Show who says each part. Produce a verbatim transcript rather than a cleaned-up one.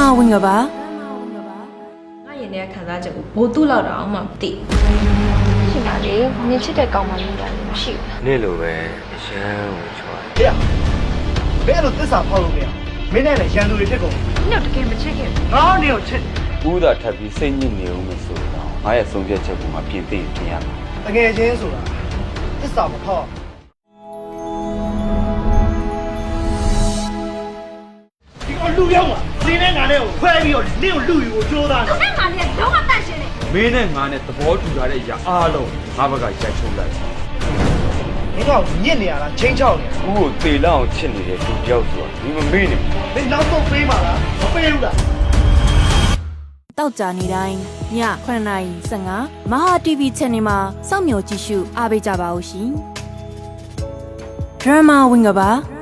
Speaker 1: ဝင်ကပါ
Speaker 2: ငါရင်ထဲကခံစားချက်ကိုဘိုးတူးလောက်တော့မှမသိ
Speaker 3: ရှိပါလေနင်ချစ်တဲ့ကောင်မလေးကလည်းမရှိဘူး
Speaker 4: နေ့လိုပဲအရန်ကိုချွာ
Speaker 5: ဟေ့ဘယ်လိုသစ္စာဖောက်လို့မရမင်းနဲ့လည်းရန်သူတွေဖြစ်ကုန်
Speaker 3: နင်တို့တကယ်မချစ်ခဲ့ဘူး
Speaker 5: ငါနေကိုချစ်
Speaker 4: ဦးသာထပ်ပြီးစိတ်ညစ်နေဦးမဆိုတော့ငါရဲ့ဆုံးဖြတ်ချက်ကိုမှပြင်သိပြင်ရမှာ
Speaker 5: တကယ်ချင်းဆိုတာသစ္စာမဖောက်ဒီကလူရောက်မှာနင်းနဲ့ငါနဲ့ကိုခွဲပြီးတော့နင်းကိုလူယူကိုကြိုးစားတယ်
Speaker 3: အဲ့မှာလည်းတော့မတန့်ရှင်းနေ
Speaker 4: မင်းနဲ့ငါနဲ့သဘောတူထားတဲ့အရာအားလုံးငါဘက်ကရိုက်ချုံလိုက်
Speaker 5: မင်းကညစ်နေရလားချင်းချောက်နေ
Speaker 4: ဦးကိုသေလောက်အောင်ချစ်နေတဲ့လူတယောက်ဆိုတာဒီမမေ့နေ
Speaker 5: မင်းနောက်ဆုံးပေးပါလားမပေးဘူးလား
Speaker 1: တောက်ကြနေတိုင်းညခုနှစ်နာရီ၁၅မဟာ တီဗီ channel မှာစောင့်မျှော်ကြည့်ရှုအားပေးကြပါဦးရှင်ဒရမာဝင်ကပါ